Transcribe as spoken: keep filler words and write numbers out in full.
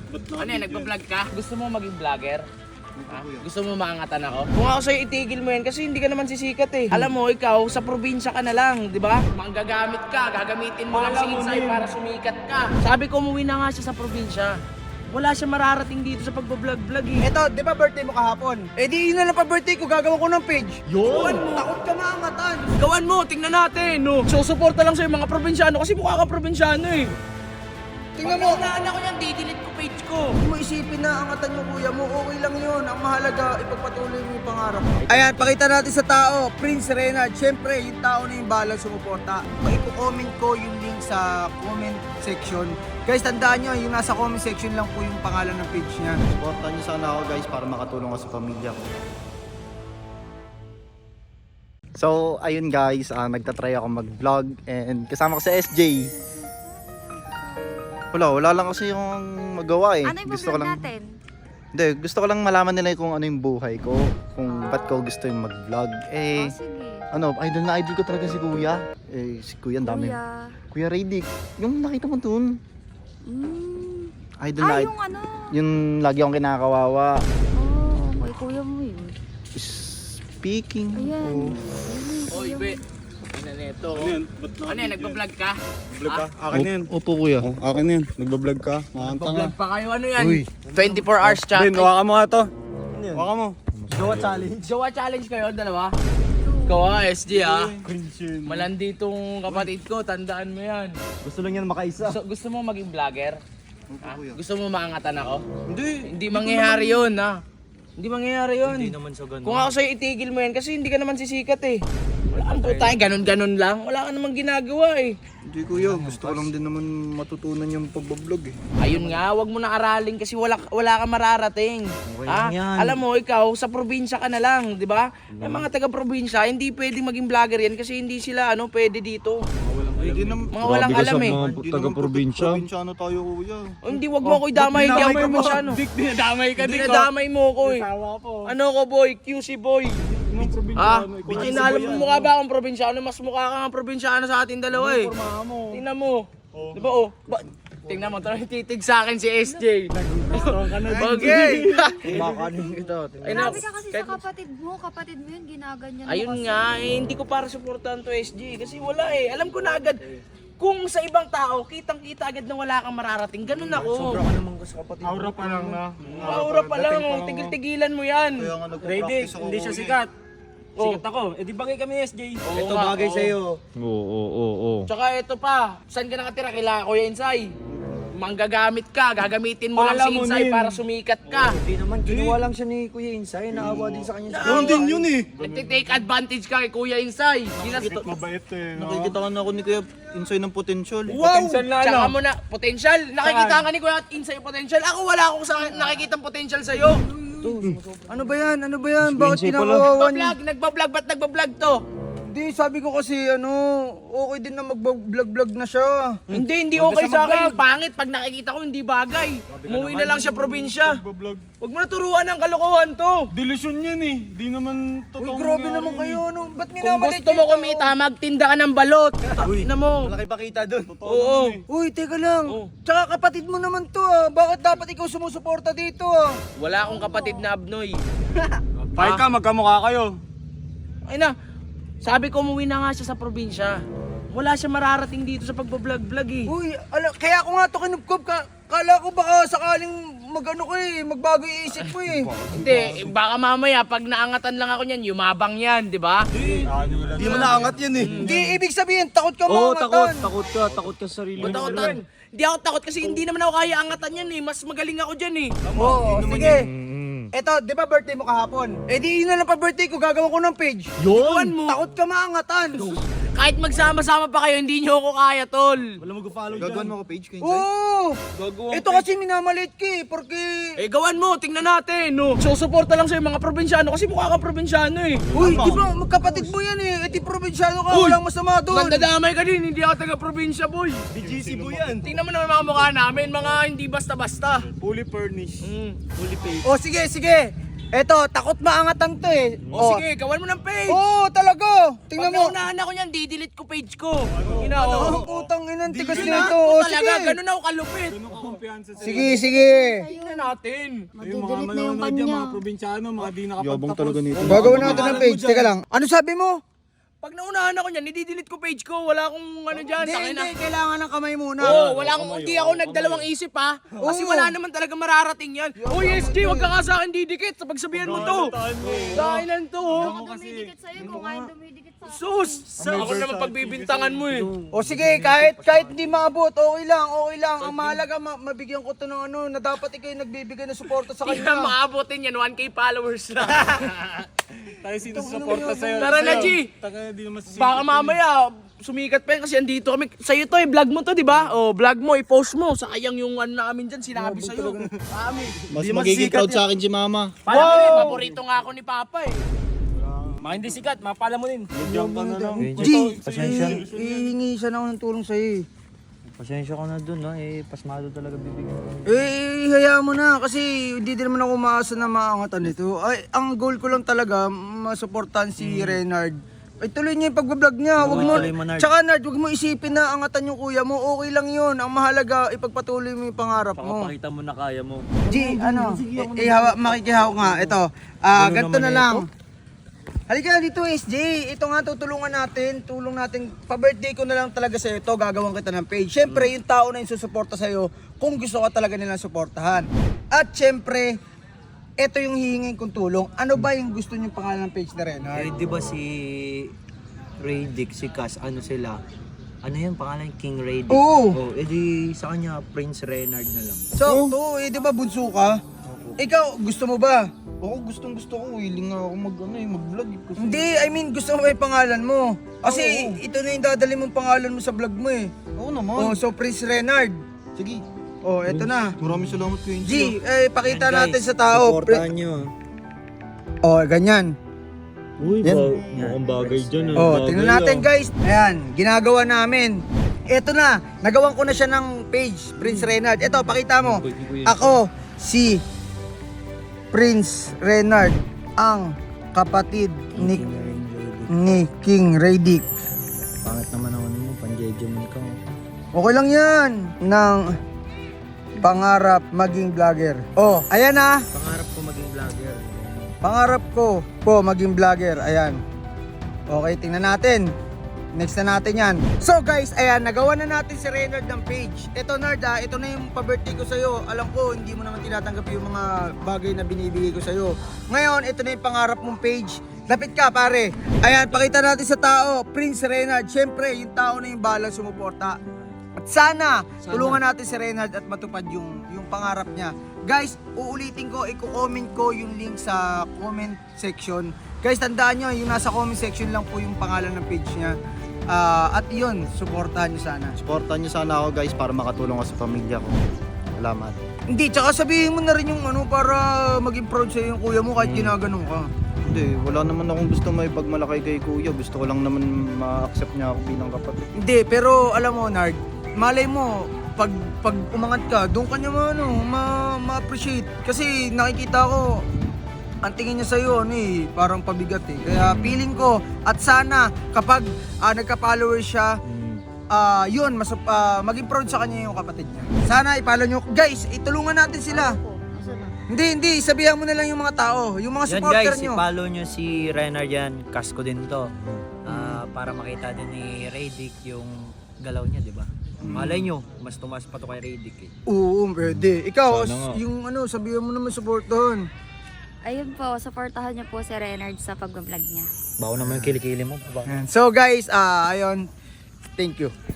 Ano yan, nagpa-vlog ka? Gusto mo maging vlogger? Ha? Gusto mo maangatan ako? Kung ako sa'yo, itigil mo yan kasi hindi ka naman sisikat eh. Alam mo, ikaw, sa probinsya ka na lang, di ba? Manggagamit ka, gagamitin mo lang si Insay para sumikat ka. Sabi ko, umuwi na nga siya sa probinsya. Wala siya mararating dito sa pagbablog-vlog eh. Eto, di ba birthday mo kahapon? Eh di yun na lang pa birthday ko, gagawa ko ng page. Yun! Takot ka maangatan. Gawan mo, tingnan natin, no? Susuporta lang sa'yo mga probinsyano kasi mukha kang probinsyano eh. Tingnan mo. Pag ako yan, didelete ko page ko. Hindi mo isipin na angatan mo kuya mo, okay lang yun. Ang mahalaga, ipagpatuloy mo yung pangarap mo. Ayan, pakita natin sa tao, Prince Renard. Siyempre, yung tao na yung balang sumuporta. Ipo-comment ko yung link sa comment section. Guys, tandaan nyo, yung nasa comment section lang po yung pangalan ng page niya. Supportan niyo sana ako guys para makatulong ako sa pamilya ko. So, ayun guys, uh, nagtatry ako mag-vlog and kasama ko sa S J. Wala, wala lang kasi yung magawa eh. Ano yung gusto ko vlog lang, natin? Hindi, gusto ko lang malaman nila kung ano yung buhay ko, kung ba't ko gusto yung mag-vlog. Eh, Oh, sige. ano, idol na idol ko talaga si Kuya. Eh, si Kuya, ang dami. Kuya. Kuya Radic, yung nakita mo dun. Mm. Idol na Ah, idol. yung ano? Yung lagi akong kinakawawa. Oh, may kuya mo yun. Speaking Ayan. of... Oy, be. Ina neto. Ano yan, nagpa-vlog ka? Vlog ka? Akin na yan. Opo kuya. Oh, akin na yan. Nagbablog ka. Makanta nga. Nagpa-vlog pa kayo, ano yan? Uy. twenty-four hours chat. Ben, hawakan mo nga to. Hawakan mo. Gawa challenge. Jowa challenge kayo, dalawa? Ikaw ah, S J ah. Malandi tong kapatid ko, tandaan mo yan. Gusto lang yan makaisa. Gusto, gusto mo maging vlogger? Ha? kuya. Gusto mo maangatan ako? Hindi. Hindi mangyayari yun ha. Hindi mangyayari yun. Hindi naman sa ganun. Kung ako sa'yo, itigil mo yan kasi hindi ka naman sisikat eh. Wala kang putay, ganun-ganun lang. Wala ka namang ginagawa eh. Hindi kuya, gusto ko lang din naman matutunan yung pagbablog eh. Ayun nga, wag mo na aralin kasi wala wala kang mararating. Ha? Alam mo, ikaw sa probinsya ka na lang, 'di ba? Yung mga taga-probinsya, hindi pwedeng maging vlogger yan kasi hindi sila ano pwede dito. Hindi naman... Mga walang alam eh. Hindi naman probinsya. Probinsyano tayo kuya. Oh, hindi, wag mo ako idamay, hindi ako probinsyano. Dinadamay ka Dinadamay mo ko eh. Ano ko boy, Q C boy. Ah, bininalam mo mukha ba akong probinsyano? Mas mukha ka nga probinsyano sa ating dalawa eh. Tingnan mo. Di ba oh? Ba tingnan mo, talagang titig sa akin si S J. Okay. Makanin ito. Ay, na, Grabe ka kasi sa kapatid mo. Kapatid mo yun, ginaganyan mo ayun kasi. nga, eh, hindi ko para suportahan to S J kasi wala eh. Alam ko na agad. Kung sa ibang tao, kitang-kita agad na wala kang mararating. Ganun ako. Sobra ka naman sa kapatid. Aura pa lang na. Aura pa lang, oh. Tigil-tigilan mo yan. Kaya nga nagpa-practice ako. Hindi siya kuya. sikat. Oh. Sikat ako. Eh di bagay kami S J. Oo Ito nga, bagay oo. sa'yo. Oo, oo, oo. Tsaka ito pa, saan ka nakatira? Kila Kuya Insay. Manggagamit ka, gagamitin mo lang si Insay para sumikat ka. Hindi naman, kinuha lang siya ni Kuya Insay. Naawa din sa kanya. Yun din yun eh. Nagtitake advantage ka kay Kuya Insay. Ginas- Mabait eh. no? Nakikita ka na ako ni Kuya Insay ng potential. Wow! Tsaka mo na, potential. Nakikita ka ni Kuya Insay yung potential. Ako wala akong sa nakikitang potential sa'yo. Ano ba yan? Ano ba yan? Bakit kinakawawan niya? Nagbablog, nagbablog, ba't nagbablog to? Hindi, sabi ko kasi ano, okay din na mag-vlog-vlog na siya. Hindi, hindi okay sa akin. Pangit, pag nakikita ko hindi bagay. Umuwi na lang siya probinsya. Nagbablog. Huwag mo na turuan ng kalokohan to. Delusyon yan eh. Di naman Uy, totoo. grabe naman kayo. Ano? Ba't Kung minamalit gusto mo kumita, magtinda ka ng balot. Na mo. Malaki pa kita dun. Oo. Uy, teka lang. Oh. Tsaka kapatid mo naman to ah. Bakit dapat ikaw sumusuporta dito ah? Wala akong kapatid na abnoy. Pahit ka, magkamukha kayo. Ay na, sabi ko umuwi na nga siya sa probinsya. Wala siya mararating dito sa pagbablog-vlog eh. Uy, ala, kaya ako nga to kinupkup ka. Kala ko baka sakaling magano ko eh, magbago yung isip ko eh. Hindi, eh, baka mamaya pag naangatan lang ako niyan, yumabang yan, di ba? Hindi mo naangat yan eh. Hindi, ibig sabihin, takot ka Oo, maangatan. takot. Takot ka. Takot ka sa sarili mo. Matakotan. Hindi ako takot kasi hindi naman ako kaya angatan yan eh. Mas magaling ako dyan eh. Oo, sige. Eto, di ba birthday mo kahapon? Eh di yun na lang pa birthday ko, gagawa ko ng page. Yun mo. Takot ka maangatan. Kahit magsama-sama pa kayo, hindi nyo ako kaya, tol. Gagawin mo ko page kay Insay? Oo! Ito kasi minamalit ka eh, porque... Eh, gawan mo, tingnan natin, no? Susuporta lang sa'yo mga probinsyano kasi mukha kang probinsyano eh. Uy, di ba magkapatid mo yan eh, eh di probinsyano ka, walang masama doon. Nandadamay ka din, hindi ako taga-probinsya, boy. B G C mo yan. Tingnan mo naman mga mukha namin, mga hindi basta-basta. Fully furnished. Mm. O sige, sige. Eto, takot maangatang to eh. O sige, gawan mo ng page. Oo, talaga. Pag Tingnan mo. naunahan ako niyan, didelete ko page ko. Ina, Ang oh. putang inang tigas Ina, nito. ako O, talaga, sige. ganun ako kalupit. Ganun ka kumpiyansa sa Sige, sige. Tingnan natin. Yung mga Madidelete na yung manonood yan, kanya. mga probinsyano, mga di nakapagtapos. Yabang talaga nito. Gagawin natin ng page. Teka lang. Ano sabi mo? Pag naunahan ako niyan, didelete ko page ko. Wala akong ano dyan. Hindi, Tangina. hindi. Kailangan ng kamay muna. Oo, wala akong, hindi ako nagdalawang isip ha. Kasi Oo. wala naman talaga mararating yan. Oh yes, G, wag ka nga sa akin didikit. Sa pagsabihan mo to. Dahilan to. oh. Ako dumidikit sa'yo kung kaya dumidikit sa akin. Sus! Sa ako naman pagbibintangan mo eh. O sige, kahit kahit hindi maabot, okay lang, okay lang. Ang mahalaga, ma- mabigyan ko to ng ano, na dapat ikaw yung nagbibigay ng suporta sa Hindi na kanya. maabotin yan, one K followers na. Tayo sinusuporta sa'yo. Tara na, sa'yo. G. Taka di naman sisikat. Baka mamaya, sumikat pa yan kasi andito kami. Sa'yo to eh, vlog mo to, di ba? O, vlog mo, i-post mo. Sayang yung ano namin dyan, sinabi sa'yo. Kami. Mas magiging proud sa akin si mama. Pala wow! Paborito nga ako ni Papa eh. Mga hindi sikat, mapala mo din. Diyan ka na lang. G, eh, ihingi siya na ako ng tulong sa'yo eh. Pasensya ka na dun, no? Eh, pasmado talaga bibigyan ko. Eh, hayaan mo na kasi hindi din naman ako umaasa na maangatan nito. Ay, ang goal ko lang talaga, masuportahan si Renard. Ay, tuloy niya yung pagbablog niya. Wag mo, tuloy mo, Nard. tsaka Nard, wag mo isipin na angatan yung kuya mo. Okay lang yun. Ang mahalaga, ipagpatuloy mo yung pangarap mo. Pakapakita mo na kaya mo. G, ano, eh, hawa, makikihaw nga. Ito, ah, Ano ganito na naman lang. Halika dito, S J. Ito nga, tutulungan natin. Tulong natin. Pa-birthday ko na lang talaga sa'yo ito. Gagawin kita ng page. Siyempre, yung tao na yung susuporta sa'yo, kung gusto ka talaga nilang suportahan. At siyempre, ito yung hihingin kong tulong. Ano ba yung gusto niyong pangalan ng page na Renard? Eh, di ba si Ray Dick, si Cass, ano sila? Ano yan, pangalan? King Ray Dick? Oo. Oh, edi sa kanya, Prince Renard na lang. So, to, eh, di ba bunso ka? Ikaw, gusto mo ba? Ako gustong gusto ko, willing nga ako mag, ano, eh, mag-vlog. eh, Kasi... Hindi, I mean, gusto mo ba yung pangalan mo? Kasi ito na yung dadali mong pangalan mo sa vlog mo eh. Oo naman. Oh, so Prince Renard. Sige. Oh, eto na. Maraming salamat ko, G, eh, pakita Yan, natin guys, sa tao. supportahan nyo. Oh, ganyan. Uy, Yan. ba- mukhang bagay dyan. ah. Oh, Bagay, tingnan natin ah. guys. Ayan, ginagawa namin. Eto na, nagawan ko na siya ng page, Prince Renard. Eto, pakita mo. Ako, si Prince Renard, ang kapatid ni, ni King Ray Dick. Pangit naman ang ano mo, panjejeman ka. Okay lang yan. Ng pangarap maging vlogger. Oh, ayan na. Pangarap ko maging vlogger. Pangarap ko po maging vlogger. Ayan. Okay, tingnan natin. Next na natin yan. So guys, ayan, nagawa na natin si Renard ng page. Ito Nard ah, ito na yung pa-birthday ko sa'yo. Alam ko, hindi mo naman tinatanggap yung mga bagay na binibigay ko sa'yo. Ngayon, ito na yung pangarap mong page. Lapit ka pare. Ayan, pakita natin sa tao, Prince Renard. Siyempre, yung tao na yung balang sumuporta. At sana, tulungan natin si Renard at matupad yung, yung pangarap niya. Guys, uulitin ko, i-comment ko yung link sa comment section. Guys, tandaan nyo, yung nasa comment section lang po yung pangalan ng page niya. Ah, at yun, supportahan nyo sana. Supportan niyo sana ako guys para makatulong ako sa pamilya ko. Salamat. Hindi, tsaka sabihin mo na rin yung ano para maging proud sa'yo yung kuya mo kahit ginaganon ka. Hindi, wala naman akong gusto may pagmalaki kay kuya. Gusto ko lang naman ma-accept niya ako bilang kapatid. Hindi, pero alam mo, Nard, malay mo, pag, pag umangat ka, doon ka niya ma, ano, ma, ma-appreciate. Kasi nakikita ko, ang tingin niya sa'yo, ano eh, parang pabigat eh. Kaya feeling ko, at sana, kapag ah, nagka-followers siya, ah, yun, mas, ah, maging proud sa kanya yung kapatid niya. Sana ipalo nyo. Guys, itulungan natin sila. Hindi, hindi, sabihan mo na lang yung mga tao, yung mga Yan supporter guys, nyo. i-follow nyo si Renard yan. Cass ko din to. Ah, para makita din ni Ray Dick yung galaw niya, di ba? Malay nyo, mas tumas pa to kay Ray Dick eh. Oo, pwede. Ikaw, Sana nga. yung ano, sabihan mo naman supportahan. Ayun po, supportahan niyo po si Renard sa pag-vlog niya. Bawo naman yung kilikili mo. Ba? So guys, ah ayun, thank you.